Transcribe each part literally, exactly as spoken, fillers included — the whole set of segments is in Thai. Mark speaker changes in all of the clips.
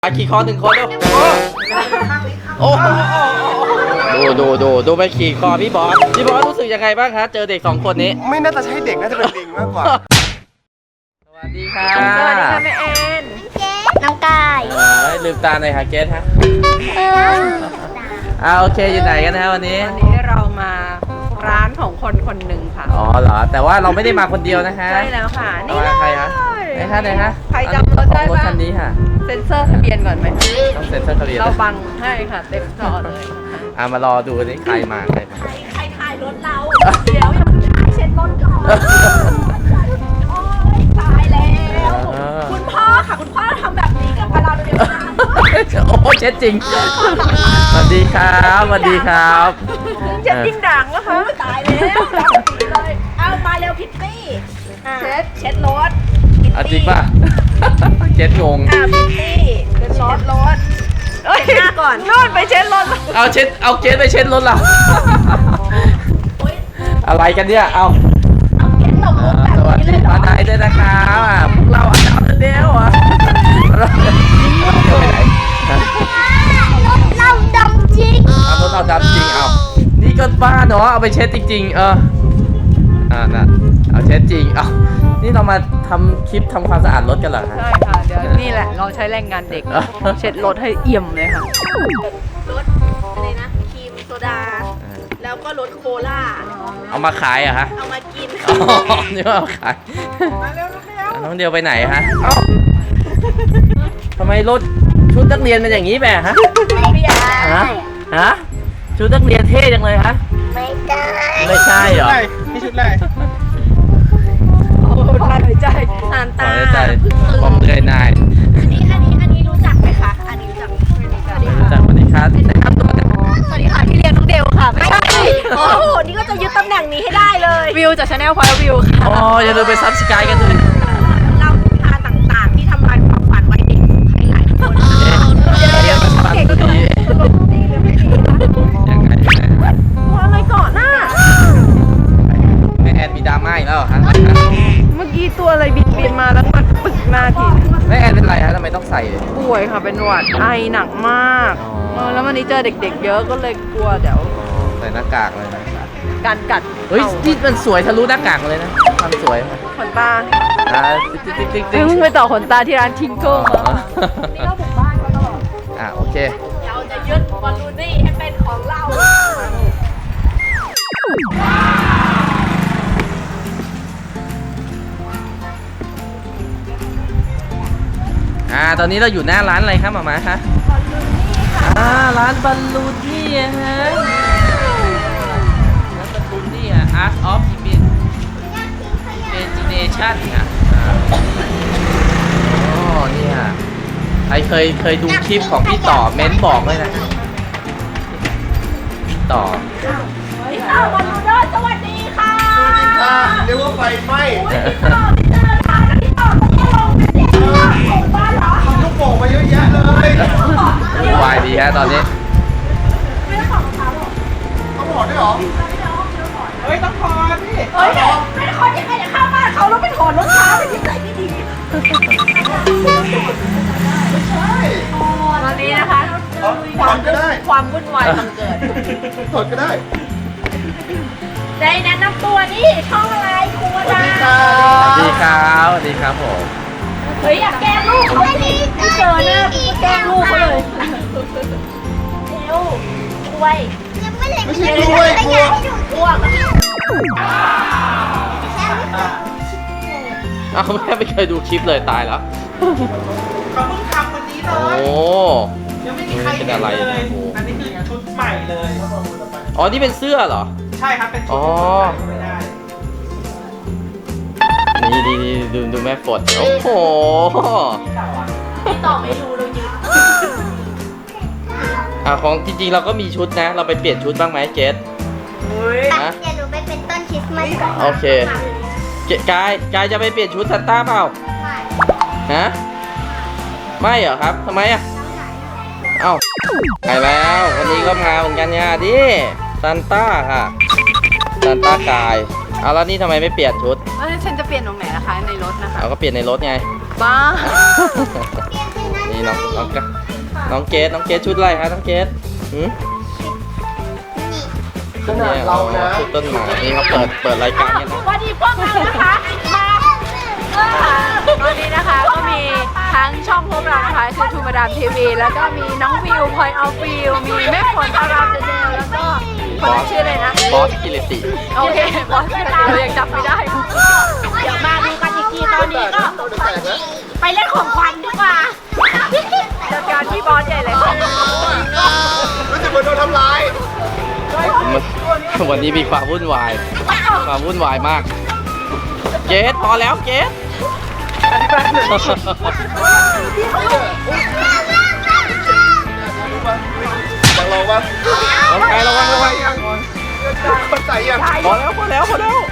Speaker 1: อาขี่คอหนึ่งคนเร็วโอ้ดูดูดูดูไปขี่คอพี่บอสพี่บอสรู้สึกยังไงบ้างคะเจอเด็กสองคนนี้
Speaker 2: ไม่น่าจะใช่เด็กน่าจะเป็นลิงมากกว่า
Speaker 1: สวัสดีค่ะ
Speaker 3: สวัสดีค่ะแม่เอ็นน้องกาย
Speaker 1: เออลืมตาหน่อยค่ะเกสฮะอ่าโอเคอยู่ไหนกันนะวันนี้
Speaker 3: วันนี้เรามาร้านของคนคนหนึ่งค่ะ
Speaker 1: อ๋อเหรอแต่ว่าเราไม่ได้มาคนเดียวนะคะ
Speaker 3: ใช่แล้วค่ะนี่
Speaker 1: มา
Speaker 3: เลย
Speaker 1: ใครคะไหนคะไหนคะ
Speaker 3: ใครจำรถได้
Speaker 1: รถ
Speaker 3: บ้าง
Speaker 1: คันนี้ค่ะ
Speaker 3: เซ็นเซอร์ทะเบียนก่อนไหม
Speaker 1: ต้องเซ็นเซอร์ทะเบียน
Speaker 3: เราบังให้ค่ะเต็มจอเลยค่ะ
Speaker 1: อ่ามารอดูนี่ใครมาใครมา
Speaker 3: ใครถ่ายรถเราเดี๋ยวยังไม่ถ่ายเช็ดรถก่อนโอ้ยตายแล้วคุณพ่อค่ะคุณพ่อทำแบบนี้กับเราเดี๋ยวนะ
Speaker 1: โอ้เช็ดจริงสวัสดีครับสวัสดีครับ
Speaker 3: เช็ดยิ่งด่างแล้วค่ะตายแล้วดำปีเลยเอามาเร็วพิตตี้เช็ดเช็ดรถ
Speaker 1: เอาจริงป่ะเช็ดงง
Speaker 3: อ่ะพิตตี้เช็ดรถรถเอ้ยหน้าก่อนนู่นไปเช็ดรถ
Speaker 1: เอาเช็ดเอาเกสไปเช็ดรถเราอะไรกันเนี่ยเอา
Speaker 3: เอาเช็ดตบมุกแบบ
Speaker 1: สวัส
Speaker 3: นี้เล
Speaker 1: ดี
Speaker 3: ยเหร
Speaker 1: มา
Speaker 3: อ
Speaker 1: ไหนด้วยนะครับอ่ะพวกเราอาจารย์เดียวอ่ะเราเดี๋ยวไปไหนฮะ
Speaker 3: เราดำจริง
Speaker 1: เอารถเราดำจริงเอานี่ก็บ้าเนาะเอาไปเช็ดจริงๆเอออ่าน่ะเอาเช็ดจริงเอานี่เรามาทำคลิปทำความสะอาดรถกันเหรอฮะ
Speaker 3: ใช่ค่ะเดี๋ยวนี่แหละเราใช้แรงงานเด็กเช็ดรถให้เอี่ยมเลยค่ะรถอะไรนะครีมโซดาแล้วก็รถโคลา
Speaker 1: เอามาขายเหรอะฮะ
Speaker 3: เอามากิน
Speaker 1: อ๋อนี่ว่าเอาขาย
Speaker 3: มาเร็วเร็ว
Speaker 1: น้องเดียวไปไหนฮะเอ้าทำไมรถชุดนักเรียนเป็นอย่างนี้แบบฮะ
Speaker 3: ไม่ได้
Speaker 1: ฮะ ฮะ ชุดนักเรียนเท่จังเลยฮะ
Speaker 3: ไม่ได้
Speaker 1: ไม่ใช่เหรอ
Speaker 2: นี่ชุดอะไร
Speaker 3: โอ้ได้หายใจอ่าน
Speaker 1: ต่
Speaker 3: ตา
Speaker 1: อใจผมเหนื่อยหน่าย
Speaker 3: อันนี้อันนี้อันนี้รู้จักไหมคะอันนี้รู้จักไม่รู้จัก
Speaker 1: รู้จักสวัสดีครับแนะนำตัวกัน
Speaker 3: สวัสดีค่ะพี่เรียนน้องเดวค่ะไม่ใช่โอ้โหนี่ก็จะยึดตำแหน่งนี้ให้ได้เลยวิวจากชาแนลพอยต์วิวค่ะ
Speaker 1: อ๋ออย่าลืมไปซับสไครต์กันด้วย
Speaker 3: เล่านิทานต่างๆที่ทำลายความฝันไว้เด็กใครหลายคน
Speaker 1: เดี๋ยวมาฟังดี
Speaker 3: ดีหรือไม่ดีคะ
Speaker 1: ยังไงยังไง
Speaker 3: ตัวอะไรก่อนหน้า
Speaker 1: แม่แอนมีดราม่าอีกแล้วเหรอฮะ
Speaker 3: เมื่อกี้ตัวอะไรบินบินมาแล้วมันปึกหน้าที
Speaker 1: แม่แอนเป็นไรฮะทำไมต้องใส่
Speaker 3: ป่วยค่ะเป็นหวัดไอหนักมาก
Speaker 1: อ๋อ
Speaker 3: เออแล้ววันนี้เจอเด็กๆ เยอะก็เลยกลัวเดี๋ยว
Speaker 1: ใส่หน้ากากเลยนะ
Speaker 3: การกัด
Speaker 1: เฮ้ยนี่มันสวยทะลุหน้ากากมาเลยนะทำสวย
Speaker 3: ขนตา
Speaker 1: อ่าติ๊กติ๊กติ๊กติ๊ก
Speaker 3: เพิ่งไปต่อขนตาที่ร้านทิงเกิลมา
Speaker 1: อ๋อ
Speaker 3: นี่ก็บุกบ้านเขาตลอด
Speaker 1: อ่ะโอเค
Speaker 3: เราจะยึดบอลลูนี่ให้เป็นของเรา
Speaker 1: อ่าตอนนี้เราอยู่หน้าร้านอะไรครับหมามาคะอ่าร้านบอลลูนี่อะฮะร้านบอลลูนี่อะ Art of Imagination ค่ะอ่าอ๋อนี่ค่ะใครเคยเคยดูคลิปของพี่ต่อเม้นบอกเลยนะพี่ต่อ
Speaker 3: พี่ต่อบอลลูนสวัสดีค่ะ
Speaker 2: ค่ะเรียกว่าไฟไหม้
Speaker 3: พี่ต่อพี่เจอค่ะพี่ต่อต้องลงกันเด็กของบ้านเหรอ
Speaker 2: ทำลูกโป่งมาเยอะแยะเลย
Speaker 1: วุ่นวายดีฮะตอนนี้
Speaker 3: ไม่ได้ของเขาหรอก
Speaker 2: ต้องถอดด้วยเหรอ เฮ้ย ต้องถอดพี่
Speaker 3: เฮ้ยไม่ได้คนที่ใครจะเข้าบ้านเขาแล้วไปถอดรองเท้าเป็นนิสัยไม่ดี
Speaker 2: ไม่ใช่
Speaker 3: ตอนนี้นะคะ
Speaker 2: ถอดก็ได้
Speaker 3: ความวุ่นวายบังเกิด
Speaker 2: ถอดก็ได้
Speaker 3: ได้แนะนำตัวนี่ช่องอะไรครู
Speaker 2: สวัส
Speaker 3: ดา
Speaker 2: ดีค่ะ
Speaker 1: สวัสดีครับสวัสดีครับผม
Speaker 3: เฮ้ยอยากแกล้งลูกเขาสิไม่เจอหน้ากูก็แกล้งลูกเขาเลยเร็วกล้วย
Speaker 2: ไม่ใช่กล้วยกล้วย
Speaker 3: กล้วย
Speaker 1: อ้าวแม่ไม่เคยดูคลิปเลยตายแล้ว
Speaker 4: เขาเพิ่งทำวันนี้เล
Speaker 1: โอ้
Speaker 4: ย ยังไม่มีใคร
Speaker 1: เป็น
Speaker 4: เห็น
Speaker 1: อะไร
Speaker 4: เลย
Speaker 1: เนี่ยโอ้
Speaker 4: อันนี้คือชุดใหม่เลย
Speaker 1: อ๋อนี่เป็นเสื้อเหรอ
Speaker 4: ใช่ครับ เป็นชุ
Speaker 1: อ๋
Speaker 4: ด
Speaker 1: อ
Speaker 4: ที่ไม่ได้
Speaker 1: นี่ดีดีดูดูแม่ฝนโอ้โห
Speaker 3: พี่ต่อไม่รู้เรายืน
Speaker 1: อ่ะของจริงๆเราก็มีชุดนะ เราไปเปลี่ยนชุดบ้างไหมเจส
Speaker 4: เฮ้ย
Speaker 1: นะ
Speaker 5: เดี๋ยวหนูไปเป็นต้นคริสต์มาสก่อน
Speaker 1: โอเคเจกายกายจะไปเปลี่ยนชุดซันต้าเปล่าฮะไม่เหรอครับทำไมอ่ะเอ้าไปแล้ววันนี้ก็มาเหมือนกันเนี่ยดิซันต้าค่ะซันต้ากายเอาแล้วนี่ทำไมไม่เปลี่ยนชุด
Speaker 3: เอ้ยฉันจะเปลี่ยนตรงไหนนะคะในรถนะคะ
Speaker 1: เอาก็เปลี่ยนในรถไง
Speaker 3: บ้า
Speaker 5: เปลี่ยนเป็นนั้น
Speaker 1: นี่นี่น้องน้องกะน้องเกดน้องเกดชุดอะไรฮะน้องเกดหืม
Speaker 6: ขนาดเรานะ
Speaker 1: ชุดต้นไม้นี่เขาเปิดเปิดรายการกันนะ
Speaker 3: วันนี้พวกเรานะคะมาวันนี้นะคะก็มีทั้งช่องพวกเรานะคะคือทูมาดามทีวีแล้วก็มีน้องวิวพลอยเอาฟิวมีแม่ฝนอารามเดเดลแล้วก็คนนั้นชื่ออะไรนะ
Speaker 1: บอสกิริติ
Speaker 3: โอเคบอสเรายังจำไม่ได้ เดี๋ยวมาดูกันอีกทีตอนนี้ก็ไปเล่นของขวัญดีกว่าจัดการพี่บอสใหญ่เลย
Speaker 6: รู้สึกเหมือนโดนทำร้าย
Speaker 1: วันนี้มีความวุ่นวายความวุ่นวายมากเกดพอแล้วเกด
Speaker 6: จะลองปะ
Speaker 1: ระวังระวังระวัง
Speaker 6: คนใส่ยัง
Speaker 1: พอแล้วพอแล้วพอแล้ว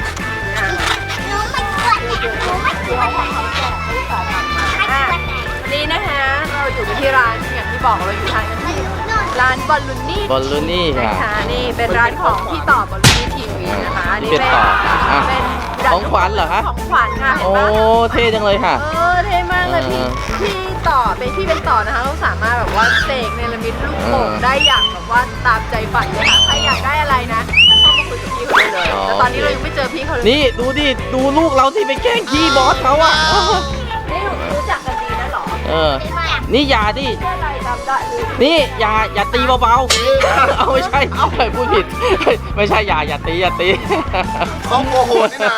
Speaker 3: วันนี้นะคะเราอยู่ที่ร้านอย่างที่บอกเราอยู่ทางกันที่ร้านบอลลูนี่
Speaker 1: บอลลูนี่
Speaker 3: นะ
Speaker 1: ค่ะ
Speaker 3: คะนี่เป็นร้านของพี่ต่อบอลลูนี่ทีวีนะคะอัน
Speaker 1: นี่
Speaker 3: นี่
Speaker 1: เป็นต่ออ่ะ
Speaker 3: เป็น
Speaker 1: ของขวัญเหรอคะ
Speaker 3: ของขวัญค่ะเห็น
Speaker 1: โอ้
Speaker 3: ปะ
Speaker 1: เท่จังเลยค่ะ
Speaker 3: เออเท่มากเลยพี่
Speaker 1: เออ
Speaker 3: พี่ต่อเป็นพี่เป็นต่อนะคะเราสามารถแบบว่าเสกเนรมิตลูกโป่ง
Speaker 1: เออ
Speaker 3: ได้อย่างแบบว่าตามใจฝันเลยค่ะใครอยากได้อะไรนะเข้ามาคุยกับพี่เขาได้เลย
Speaker 1: อ๋อ
Speaker 3: แต่ตอนนี้เรายังไม่เจอพี่เขาเลย
Speaker 1: นี่ดูดิดูลูกเราที่ไปแกล้งขี้บอสเขาอะ
Speaker 3: นี่รู้จักกันดีนะเหรอ
Speaker 1: เออ นี่อย่าดิ
Speaker 3: เชื่ออะไรจำได้เลย
Speaker 1: นี่อย่าอย่าตีเบาๆ เอาไม่ใช่เอาไปพูดผิด ไม่ใช่อย่าอย่าตีอย่าตี
Speaker 6: เขาโมโหนี่นะ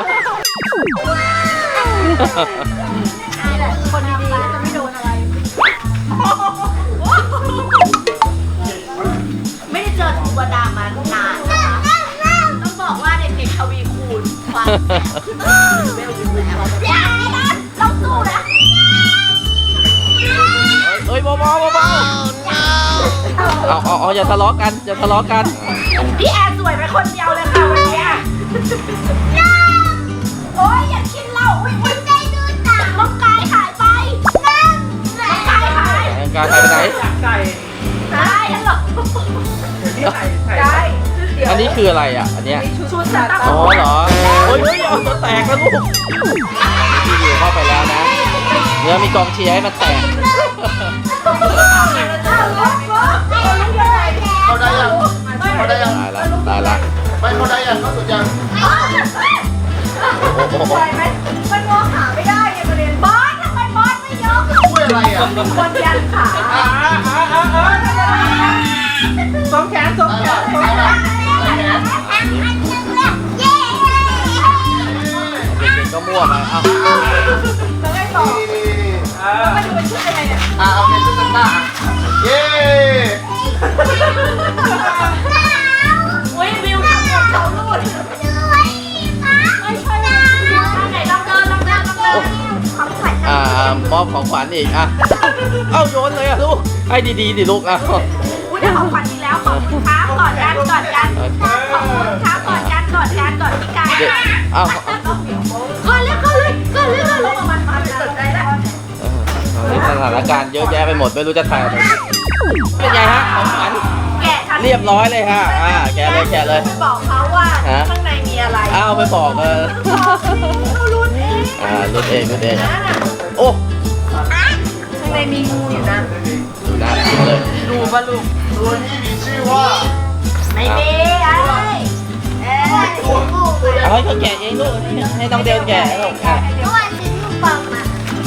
Speaker 3: นี่แหละคนดีๆก็จะไม่โดนอะไร ไม่ได้เจอตัวดามานานนะคะต้องบอกว่าเด็กๆทวีคูณความเวลอยู่แล้วเราสู้นะ
Speaker 1: เอ้ยเบาๆเบาๆเอาเอาเอาอย่าทะเลาะกันอย่าทะเลาะกัน
Speaker 3: พี่แอนสวยไปคนเดียวเลยค่ะวันนี้โอ้ยอย่ากินเหล้าอุ้ยอุ้ยใจดูต่างน้องกายหายไปน้องกายหาย
Speaker 1: การหายไปไหน
Speaker 4: อยากใส่
Speaker 3: หายแล้วเหรอ
Speaker 4: ที่ใส่ใส่
Speaker 3: ได้เดี๋ยว
Speaker 1: อันนี้คืออะไรอ่ะ อันเนี้ย
Speaker 3: ชุดซานต้า
Speaker 1: อ๋อเหรอเฮ้ยเฮ้ยเอาจะแตกแล้วลูกพี่อยู่เข้าไปแล้วนะเนื้อมีกองเชียร์ให้มันแตก
Speaker 6: เขาได้ยังเขาได้ยัง
Speaker 1: ตายละตายละ
Speaker 6: ไม่เขาได้ยังเขาสุดยัง
Speaker 1: โอ้โห
Speaker 3: ไหวไหมมันมองหาไม่ได้ไงประเด็นบอสทำไมบอสไม่ยก
Speaker 6: ช่วยอะไรอ่ะ
Speaker 3: คนยันขา
Speaker 4: อ่าอ่าอ่าอ่าสองแขนสองแขนสองแขน
Speaker 1: เด็กๆก็มั่วไปเอ้า
Speaker 3: แล้วไงต่อ
Speaker 4: อ่า
Speaker 3: มาดูเป็นชุดยังไงเนี่ย
Speaker 6: อ่ะเอาเป็นชุดซันต้าเย้
Speaker 3: อุ้ยวิวทำหมดเขาลูดไม่ใช่ไหนลองเดินลองเดินลองเดินของขวัญ
Speaker 1: อ่ามอบของขวัญอีกอ่ะเอ้าโยนเลยอ่ะลูกให้ดีๆดิลูกอ่ะ
Speaker 3: อุ้ยได้ของขวัญอีกแล้วขอบคุณครับก่อนกันก่อนกันขอบคุณครับก่อนกันก่อนกันก่อนพี่กาย
Speaker 1: เด็กเอ้า
Speaker 3: ก่อนเลยก่อนเลยก่อนเลยก่อนเลยมันมาสนใจแล้ว
Speaker 1: เออสถานการณ์เยอะแยะไปหมดไม่รู้จะถ่ายอะไรเป็นไงฮะของขวัญ
Speaker 3: แกะทัน
Speaker 1: เรียบร้อยเลยค่ะอ่าแกะเลยแกะเลย
Speaker 3: ไปบอกเขาว่า
Speaker 1: ฮะ
Speaker 3: ข้างในมีอะไร
Speaker 1: อ้าวไปบอกเออ
Speaker 3: รุ่นเอง
Speaker 1: อ่ารุ่นเองรุ่นเอง
Speaker 3: นะ
Speaker 1: โอ้
Speaker 3: ข้างในมีงูอยู่นะ
Speaker 1: ดูน่ากินเลย
Speaker 3: ดูปะลูก
Speaker 6: ตัวนี้มีชื่อว่า
Speaker 3: ไม่มีไอ้เอ้ย
Speaker 1: เอาให้เขาแกะเองลูกให้น้องเดนแกะลูกอ่ะ
Speaker 5: เมื่อวานซื้อลูกบอลมา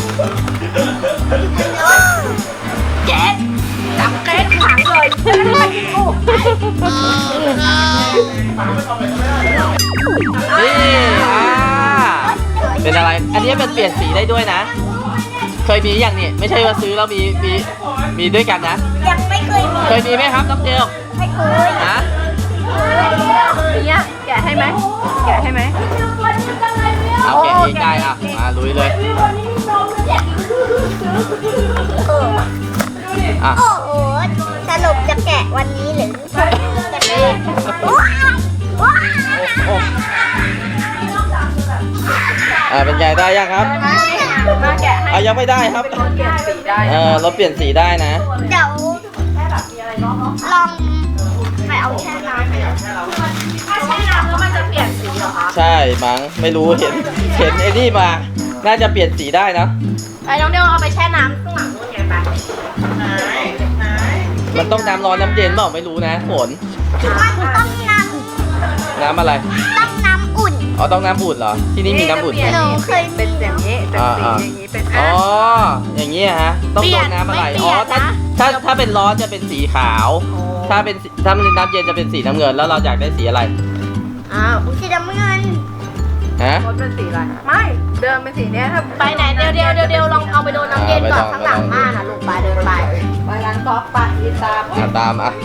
Speaker 3: เจ๊จับเก๊ขังเลยจะได้ไม่กินงู
Speaker 1: นี่อ่าเป็นอะไร อันนี้มันเปลี่ยนสีได้ด้วยนะ เคยมีอย่างนี้ไม่ใช่ว่าซื้อแล้วมีมีมีด้วยกันนะ
Speaker 5: ยังไม่เคยมี
Speaker 1: เคยมีไหมครับน้องเจล
Speaker 5: ไม่เคย
Speaker 1: ฮะ
Speaker 3: เนี่ยแกะให้ไหมแกะให้ไหม
Speaker 1: เอาแกะเองได้อ่ะมาลุยเลยอ่ะ
Speaker 5: โอ้โหสรุปจะแกะวันนี้หรือจะแกะว้าวว้าว
Speaker 1: โอ้อ่าเป็นไงได้ยังครับ
Speaker 3: มาแกะให้
Speaker 1: อ่ะยังไม่ได้ครับ
Speaker 3: เปลี่ยนสีได้
Speaker 1: เออเราเปลี่ยนสีได้นะ
Speaker 5: เดี๋ยว
Speaker 3: แค่แบบมีอะไรเนาะ
Speaker 5: ลองไปเอาแช่น้ำไปเอา
Speaker 3: ถ้าแช่น้ำแล้วมันจะเปลี่ยนสีเหรอคะ
Speaker 1: ใช่มั้งไม่รู้เห็นเห็นไอ้นี่มา น่าจะเปลี่ยนสีได้นะ
Speaker 3: ไอ้น้องเดียวเอาไปแช่น้ำข้างหลังนู่นไง
Speaker 1: มันต้องน้ำร้อนน้ำเย็นเปล่าไม่รู้นะฝน
Speaker 5: มันต้องน้
Speaker 1: น้ำอะไร
Speaker 5: ำต้องน้ำอุ่น
Speaker 1: อ๋อต้องน้ำอุ่นเหรอ ที่นี่มีน้ำอุ่นไหม
Speaker 5: หนูเคย
Speaker 3: เป็นอย่างนี้เป็นสีอย่างนี้เป็น
Speaker 1: อ๋
Speaker 3: อ่ะ
Speaker 1: อ อย่างนี้ฮะ ต้อง
Speaker 3: เปลี่
Speaker 1: โด
Speaker 3: ยน
Speaker 1: นน้ำอะไร
Speaker 3: ไม่เปลี่
Speaker 1: อ๋อย
Speaker 3: น
Speaker 1: ถ้า
Speaker 3: นะ
Speaker 1: ถ้าถ้าเป็นร้อนจะเป็นสีขาว ถ้าเป็นสีถ้าเป็นน้ำเย็นจะเป็นสีน้ำเงิน แล้วเราอยากได้สีอะไร
Speaker 3: อ้าว
Speaker 5: สีน้ำเงิน
Speaker 1: ฮะ
Speaker 3: รถเป็นสีอะไรไม่เดิมเป็นสีเนี้ยถ้า
Speaker 5: ไปไหนเดี๋ยวเดี๋ยวเดี๋ยวเดี๋ยวลองเอาไปโดนน้ำเย็นก่อนข้างหลังบ้านนะลูกไปเดินไป
Speaker 3: ไปร้านก๊อฟไปอีตาม
Speaker 1: อ่ะตามอ่ะ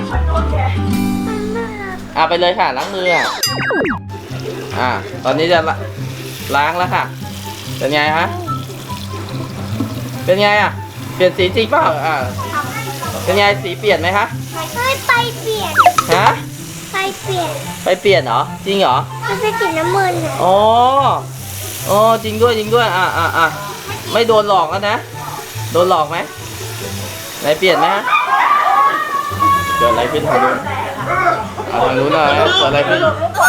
Speaker 1: อ่ะไปเลยค่ะล้างมืออ่ะ อ่ะตอนนี้จะละล้างแล้วค่ะ เป็นไงฮะ เป็นไงอ่ะ เปลี่ยนสีจริงเปล่าอ่ะ เป็นไงสีเปลี่ยนไหมคะ
Speaker 5: เฮ้ยไปเปลี่ยน
Speaker 1: ฮะ
Speaker 5: ไปเปลี่ยน
Speaker 1: ไปเปลี่ยนเหรอ จริงเหรอ
Speaker 5: มันเป็นสีน้ำเงินเลย
Speaker 1: อ๋ออ๋อจริงด้วยจริงด้วย อ่ะอ่ะอ่ะไม่โดนหลอกแล้วนะ โดนหลอกไหมไหนเปลี่ยนไหมฮะเกิดอะไรขึ้นทางนู้นเอาทางนู้นหน่อยเกิดอะไรขึ้น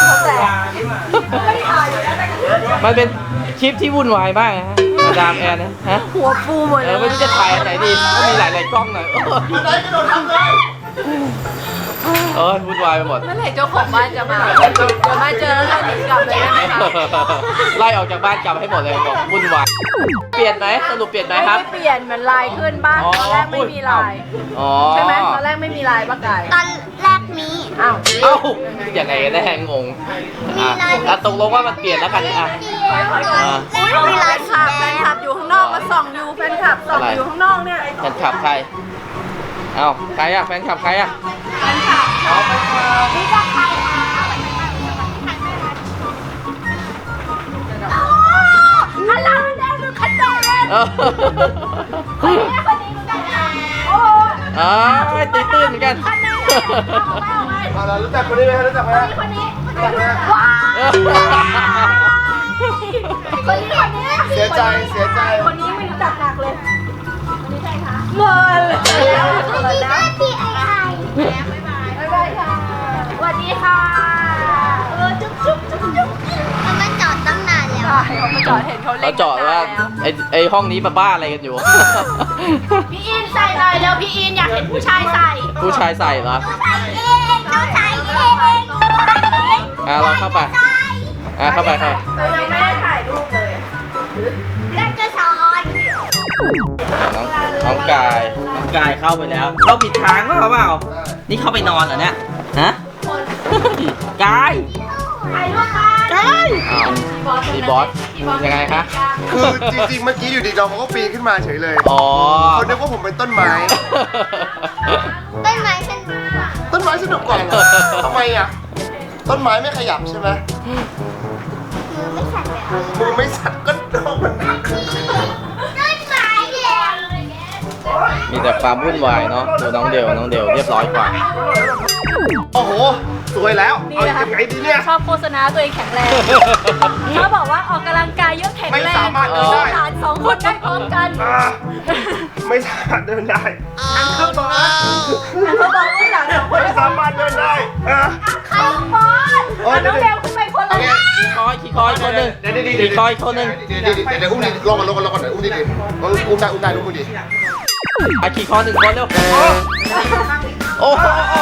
Speaker 1: มันเป็นคลิปที่วุ่นวายมากนะฮะมาดามแอนนะฮะ
Speaker 3: หัวฟูหมด
Speaker 1: เอ
Speaker 3: เล
Speaker 1: อย ไม่รู้จะถ่ายอันไหนดีก็มีหลายๆกล้องหน่อยเออ
Speaker 6: ไหนกระโดดทำเลย
Speaker 1: เออวุ่นวายไปหมด
Speaker 3: เมื่อไหร่เจ้าของบ้านจะมาเดี๋ยวมาเจอแล้วเราหนีกลับเลยได้ไหมคะ
Speaker 1: ไล่ออกจากบ้านกลับให้หมดเลยบอกวุ่นวายเปลี่ยนไหมสรุปเปลี่ยนไหม
Speaker 3: ไม่
Speaker 1: ครับ
Speaker 3: ได้เปลี่ยนเหมือนลายขึ้นบ้านตอนแรกไม่มีลาย
Speaker 1: อ๋อ
Speaker 3: ใช่ไหมตอนแรกไม่มีลายป้าไก่
Speaker 5: ตอนแรกมี
Speaker 3: อ้าว
Speaker 1: เอ้ายังไงกันแน่งงอ่ะอ่ะตกลงว่ามันเปลี่ยนแล้วกันอ่ะอ่ะ
Speaker 3: อุ้ยมีลายขับแฟนคลับอยู่ข้างนอกมาส่องอยู่แฟนคลับส่องอยู่ข้างนอกเนี่ย
Speaker 1: แฟนคลับใครเอ้าใครอ่ะแฟนคลับใครอ่ะ
Speaker 3: แฟนคลับ
Speaker 1: เอาแฟนคลับ
Speaker 5: นี่ก็ใครฮัลโหลแดงดูคันเดน
Speaker 1: เออ
Speaker 5: คนนี้คนนี้กันโอ้
Speaker 1: อ๋อตื่นตื่นเหมือนกัน
Speaker 5: คันเดนเอาไว้
Speaker 6: เอาล่ะรู้จักคนนี้ไหมรู้จักไหม
Speaker 5: คนนี้
Speaker 6: รู้จักไหม
Speaker 5: ว้า
Speaker 1: เออ
Speaker 5: คนนี้คนนี้
Speaker 6: เสียใจเสียใจ
Speaker 3: คนนี้ไม่รู้จักหนักเลย
Speaker 5: คนนี้ใครคะ
Speaker 3: เมิน
Speaker 5: คนนี้แม่พี่ไอไอบ๊ายบายค่ะสวัสดีค่ะเออจุ๊บจุ๊บจุ๊บจุ๊บมันมาจอดตั้งนานแล้ว
Speaker 3: เขามาจอดเห็นเขาเล่
Speaker 1: เรา
Speaker 3: น
Speaker 1: เจาะว่าไอไอห้องนี้มาบ้าอะไรกันอยู่
Speaker 5: พี่อินใส่หน่อยแล้วพี่อินอยากเห็นผู้ชายใส่
Speaker 1: ผู้ชายใส่เหรอ
Speaker 5: ใส่เองเขาใส่เอง
Speaker 1: อ่ะเราเข้าไปอ่ะเข้าไปเข้า
Speaker 3: เรายังไม่ได้ถ่ายรูปเลย
Speaker 5: แล้วจะสอน
Speaker 1: น้องน้องกายน้องกายเข้าไปแล้ว เข้าผิดทางเปล่าเปล่า นี่เข้าไปนอนเหรอเนี่ย ฮะ กาย
Speaker 5: ถ่ายรูปกัน
Speaker 1: กายอ้าวพี่บอสยังไงคะ
Speaker 6: คือจริงๆ เมื่อกี้อยู่ดีน้องเขาก็ปีนขึ้นมาเฉยเลย
Speaker 1: อ๋อ
Speaker 6: เขานึกว่าผมเป็นต้นไม้
Speaker 5: ต้นไม้ฉัน
Speaker 6: ต้นไม้สนุกกว่าเหรอทำไมอ่ะ ต้นไม้ไม่ขยับใช่ไหม
Speaker 5: มือไม่สั่นเลย
Speaker 6: มือไม่สั่นก็น้องมันหนัก
Speaker 5: ต้นไม้เดียว
Speaker 1: มีแต่ความวุ่นวายเนาะดูน้องเดวน้องเดวเรียบร้อยกว่า
Speaker 6: โอ้โห สวยแล้ว
Speaker 3: นี่
Speaker 6: เอา
Speaker 3: นะคะ
Speaker 6: ยังไงดีเนี่ย
Speaker 3: ชอบโฆษณาตัวเองแข็งแรงเขาบอกว่าออกกำลังกายเยอะแข็งแรง
Speaker 6: ไม่สามารถเดินได้
Speaker 3: ฐานสองคนได้พร้อมกัน
Speaker 6: อ่าไม่สามารถเดินได้อังเคิลบอส
Speaker 3: เขาบอกว่าหลานสองคน
Speaker 6: ไม่สามารถเดินได้อ่ะ
Speaker 5: ใครบอล
Speaker 6: โอ้ย
Speaker 3: น้
Speaker 6: เดี๋
Speaker 3: อ
Speaker 6: ยว
Speaker 3: งเดวขึ้นไปคนละ
Speaker 1: ขี่คอยขี่คอยคนหนึ่ง
Speaker 6: เดี๋ยวเดี๋ยว
Speaker 1: ขี่คอยคนหนึ่ง
Speaker 6: เดี๋ยวเดี๋ยวเดี๋ยวเดี๋ยวอุ้มดิลงก่อนลงก่อนลงก่อนเดี๋ยวอุ้มดิดิอุ้มได้อุ้มได้อุ้มดิ
Speaker 1: อ่ะขี่คอหนึ่งคนเร็วโอ้โห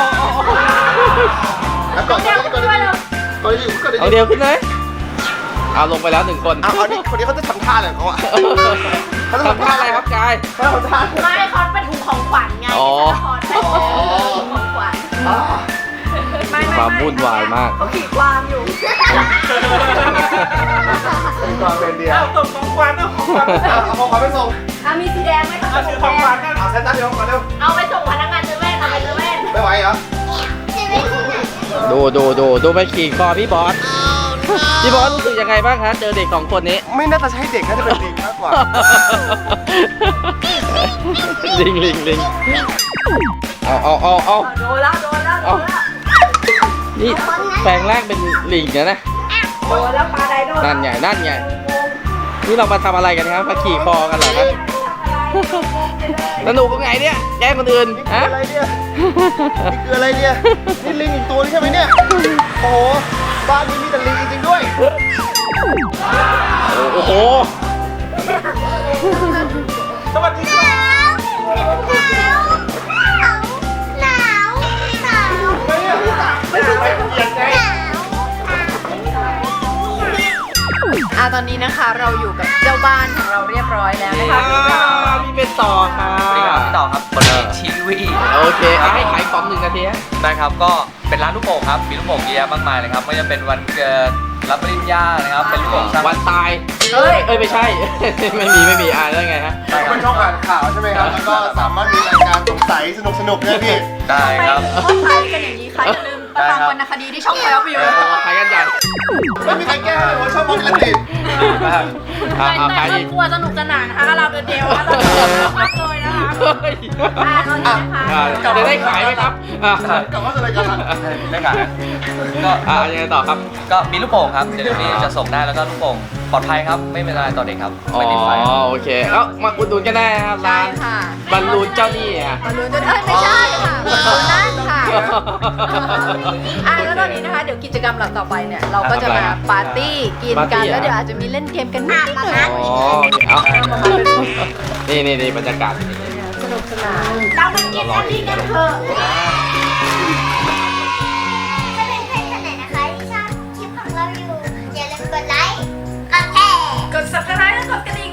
Speaker 6: แล้วก่อนก่อนก่อนก่อนก่อนดิก่อนดิ
Speaker 1: เอาเดียวขึ้นเลยเอาลงไปแล้วหนึ่งคน
Speaker 6: เอาเอานี่คนนี้เขาจะทำท่าอะไรของเขาอ่ะเขาจะ
Speaker 1: ทำท่าอะไรครับกาย
Speaker 6: เขาทำท่า
Speaker 5: ไม่คอนเป็นถุงของขวัญไง
Speaker 1: อ๋อ
Speaker 5: คอนเป็นถุงของขวัญ
Speaker 6: อ่า
Speaker 3: ไม่ไม่
Speaker 1: ความวุ่นวายมาก
Speaker 3: เขาขี่ความอยู่
Speaker 6: เป็นความเป็นเดียว
Speaker 4: เอาส่งของขวัญเอาของขวัญ
Speaker 6: เอาเอาของขวัญไปส่ง
Speaker 3: อ่ะมีสีแดงไหมคะ
Speaker 4: เอาถือของขวัญกัน
Speaker 6: เอาเซ็นตั้งเดี๋ยวก่อนเร็ว
Speaker 5: เอาไปส่งพนักงานเซเว่นเอาไปเซเว่น
Speaker 6: ไม่ไหวเหรอ
Speaker 1: ดูดูดูดูไปขี่คอพี่บอสพี่บอสรู้สึกยังไงบ้างคะเจอเด็กสองคนนี้
Speaker 6: ไม่น่าจะใช่เด็กน่าจะเป็นลิงมากกว่า
Speaker 1: ลิงลิงลิงเอาเอาเอาเอา
Speaker 3: โดนแล้วโดนแล้วโดนแล้ว
Speaker 1: นี่แปลงร่างเป็นลิงนะนะ
Speaker 3: โดนแล้วปลาไดโดน
Speaker 1: นั่นใหญ่นั่นใหญ่นี่เรามาทำอะไรกันครับมาขี่คอกันเหรอครับสนุกยังไงเนี่ยแย่งคนอื่น
Speaker 6: นี่คือ
Speaker 1: ฮะ
Speaker 6: อะไรเนี่ย นี่คืออะไรเนี่ย นี่ลิงอีกตัวนึงใช่ไหมเนี่ย โอ้โห บ้านนี้มีแต่ลิงจริงๆด้วย
Speaker 1: โอ้โห
Speaker 4: สวัสดีครับ
Speaker 5: หนาวหนาว
Speaker 6: ไม่เนี่ยพี่ตักไม่ใช่ไปเหยียดไง
Speaker 3: อ่ะตอนนี้นะคะเราอยู่กับเจ้าบ้านของเราเรียบร้อยแล้วนะคะ
Speaker 1: พี่เป็นต่อค่ะ
Speaker 4: สวัสดีครับพี่ต่อครับคนนี้ทีวี
Speaker 1: โอเคเอาให้ขายของหนึ่งนาทีฮะ
Speaker 4: ได้ครับก็เป็นร้านลูกโป่งครับมีลูกโป่งเยอะแยะมากมายเลยครับไม่ว่าจะเป็นวันเกิดรับปริญญานะครับเป็นลูกโป่งช่าง
Speaker 1: วันตายเอ้ยเอ้ยไม่ใช่ ไม่มีไม่มีอ่าแล้วไงฮะ
Speaker 6: เป็นช่องอ่านข่าวใช่ไหมครับ แล้วก็สามารถมีรายการสงสัยสนุกสนุกๆเนี่ยพี่
Speaker 4: ได้ครับ
Speaker 3: เขาขายกันอย่างนี้คะอย่าลืมมาฟังวรรณคดีที่ช่องไฟออฟวิว
Speaker 1: ขายกันใหญ่
Speaker 6: ไม่มีใครแก้เลยว่าชอบมองกันติด
Speaker 1: อ่าเอาขายอีก
Speaker 3: กลัวสนุกสนานนะคะเราเดียวๆเรามากเลยนะคะ
Speaker 1: เฮ้ย
Speaker 3: อ่าตอนนี้นะคะ
Speaker 1: อ่าจะได้ขายไหมครับอ่าก
Speaker 6: ลับมาสู่รายการละ
Speaker 4: ได้ครับก็
Speaker 1: อ่ายังไงต่อครับ
Speaker 4: ก็มีลูกโป่งครับเดี๋ยวนี้จะส่งได้แล้วก็ลูกโป่งปลอดภัยครับไม่เป็นอะไรต่อเด็กครับ
Speaker 1: อ๋อ
Speaker 4: ไม่ติดไฟ
Speaker 1: โอเคแล้วมาอุดหนุนกันได้นะครับ
Speaker 3: ใช่
Speaker 1: ร้าน
Speaker 3: ค่ะ
Speaker 1: บอลลูนเจ้าหนี้อ่ะ
Speaker 3: บอลลูนจะเอ้ยไม่ใช่ค่ะบอลลูนนั่นค่ะอ่ะแล้วตอนนี้นะคะเดี๋ยวกิจกรรมเราต่อไปเนี่ยเราก็จะมาปาร์ตี้กินกันแล้วเดี๋ยวอาจจะมีเล่นเกมกันนิดหน่อย
Speaker 1: อ๋อเอานี่นี่นี่บรรยากาศ
Speaker 3: สนุกสนาน
Speaker 5: เรามากินอันนี้กันเถอะถ้าเป็นเพื่อนคนไหนนะคะที่ชอบคลิปของเราอยู่อย่าลืมกดไลค์กดแชร์
Speaker 3: กด subscribe และกดกระดิ่ง